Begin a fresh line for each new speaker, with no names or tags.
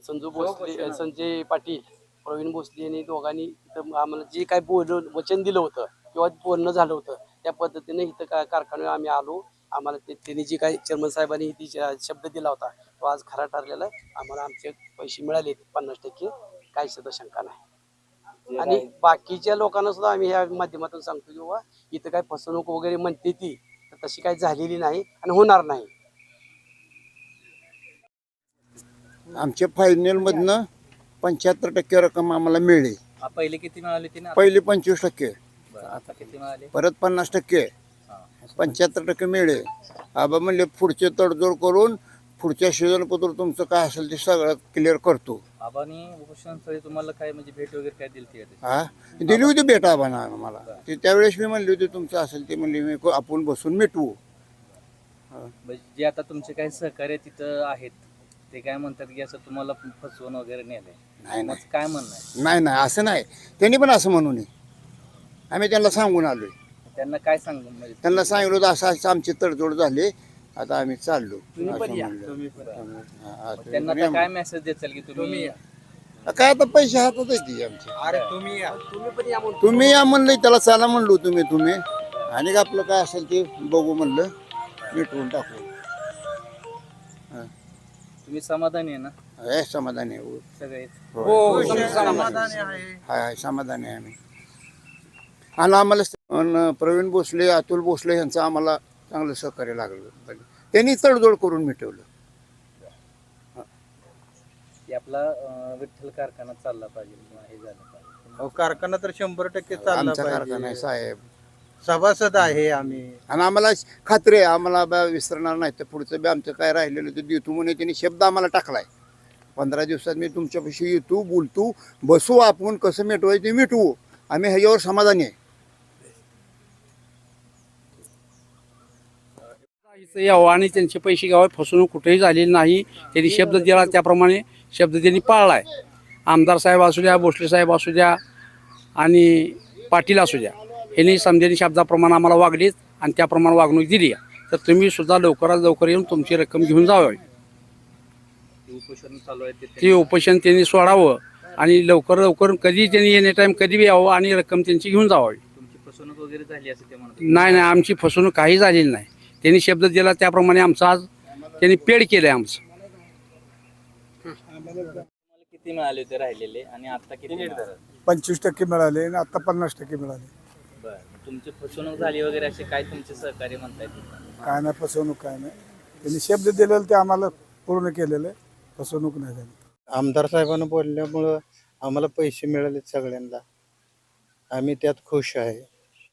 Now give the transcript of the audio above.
संजू भोसले, संजय पाटील, प्रवीण भोसले यांनी दोघांनी इथं आम्हाला जे काही वचन दिलं होतं किंवा बोलणं झालं होतं त्या पद्धतीने इथं कारखान्यावर आम्ही आलो. आम्हाला त्यांनी जे काही चेअरमन साहेबांनी शब्द दिला होता तो आज खरा ठरलेला आहे. आम्हाला आमचे पैसे मिळाले 50%, काही सुद्धा शंका नाही. आणि बाकीच्या लोकांना सुद्धा आम्ही ह्या माध्यमातून सांगतो की बाबा इथं काय फसवणूक वगैरे म्हणते ती तर तशी काही झालेली नाही आणि होणार नाही.
आमच्या फायनलमधनं 75% रक्कम आम्हाला मिळली.
पहिले किती मिळाले ती ना?
पहिले 25%,
आता किती मिळाले?
परत 50%, 75% मिळले. आबा म्हणले पुढचे तडजोड करून पुढच्या सीझनपत्र तुमचं काय असेल ते सगळं क्लिअर करतो.
आबानी उपोषण स्थळी तुम्हाला काय म्हणजे भेट वगैरे काय दिली ती?
हा दिली होती भेट आबाना मला. ते त्यावेळेस मी म्हणली होती तुमचं असेल ते म्हणले मी आपण बसून मिटवू.
जे आता तुमचे काही सहकार्य तिथं आहेत ते काय म्हणतात की असं तुम्हाला फसवून वगैरे नेलंय?
नाही
काय म्हणणं आहे?
नाही असं नाही. त्यांनी पण असं म्हणू नये. आम्ही त्यांना सांगून आलोय.
त्यांना काय सांगू म्हणजे?
त्यांना सांगितलं होतं असं असं आमची तडजोड झाली आता आम्ही चाललो.
त्यांना काय मेसेज देचाल की तुम्ही
काय आता पैसे हातात येते आमचे.
अरे तुम्ही पण
तुम्ही या म्हणलं त्याला चला म्हणलो तुम्ही आणि आपलं काय असेल ते बघू म्हणलं मिटवून टाकू.
तुम्ही समाधानी आहे ना?
हे समाधानी आहे
सगळे?
हाय समाधानी आहे आम्ही. आणि आम्हाला प्रवीण भोसले, अतुल भोसले यांचं आम्हाला चांगलं सहकार्य लागलं. त्यांनी तडजोड करून मिटवलं.
आपला विठ्ठल कारखाना चालला पाहिजे किंवा हे झालं पाहिजे.
कारखाना तर 100% चालला
आमचा कारखाना आहे साहेब.
सभासद आहे आम्ही.
आणि आम्हाला खात्री आहे आम्हाला विसरणार नाही. तर पुढचं बी आमचं काय राहिलेलं ते देतो म्हणे त्यांनी शब्द आम्हाला टाकलाय. 15 दिवसात मी तुमच्यापाशी येतो, बोलतो, बसू, आपण कसं मिटवायचं ते मिटवू. आम्ही ह्याच्यावर समाधानी आहे.
यावं आणि त्यांचे पैसे घ्यावे. फसवणूक कुठेही झालेली नाही. त्यांनी शब्द दिला त्याप्रमाणे शब्द त्यांनी पाळला आहे. आमदार साहेब असू द्या, भोसले साहेब असू द्या आणि पाटील असू द्या, यांनी समजेनी शब्दाप्रमाणे आम्हाला वागलीत आणि त्याप्रमाणे वागणूक दिली आहे. तर तुम्ही सुद्धा लवकरात लवकर येऊन तुमची रक्कम घेऊन जावी.
उपोषण चालू आहे
ते उपोषण त्यांनी सोडावं आणि लवकर कधी त्यांनी एनी टाईम कधी बी यावं आणि रक्कम त्यांची घेऊन जावी.
तुमची फसवणूक वगैरे झाली असं ते म्हणतात?
नाही आमची फसवणूक काही झालेली नाही. त्यांनी शब्द दिला त्याप्रमाणे आमचं आज त्यांनी पेड केलं आहे आमचं.
किती मिळाले होते राहिलेले आणि आता किती मिळाले?
25% मिळाले आणि आता 50% मिळाले.
बरं, तुमची फसवणूक झाली वगैरे असे काय तुमचे सहकार्य म्हणतायत?
काय नाही फसवणूक काय नाही. त्यांनी शब्द दिलेलं ते आम्हाला पूर्ण केलेलं आहे. फसवणूक नाही झाली.
आमदार साहेबांना बोलल्यामुळं आम्हाला पैसे मिळाले सगळ्यांना. आम्ही त्यात खुश आहे.